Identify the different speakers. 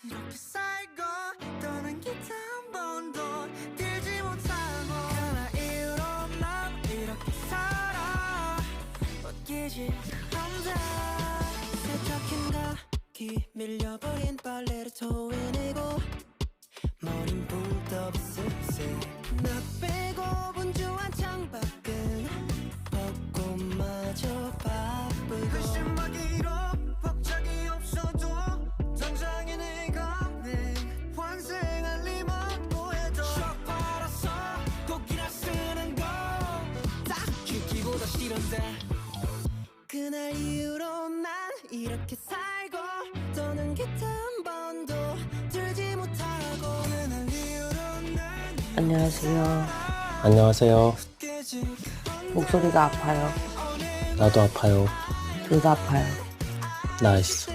Speaker 1: 이렇게 살고 떠난 기타 한 번도 들지 못하고 하나 이유로 난 이렇게 살아 벗기지 않다 세척한 가기 밀려버린 빨래를 토해내고 머린 붕떠 습세 나 빼고 분주한 창밖은 벚꽃마저 바쁘고 글씨막이로 박자기 없어도 당장에 내가 내 환생할 리만 뭐해도 쫙 빨아서 곡이나 쓰는 거 딱히 기보다 싫은데 그날 이후로 난 이렇게 살고 떠는 기타 한 번도 들지 못하고 그날 이후로 난
Speaker 2: 안녕하세요.
Speaker 3: 안녕하세요.
Speaker 2: 목소리가 아파요.
Speaker 3: 나도 아파요.
Speaker 2: 둘 다 아파요.
Speaker 3: 나이스.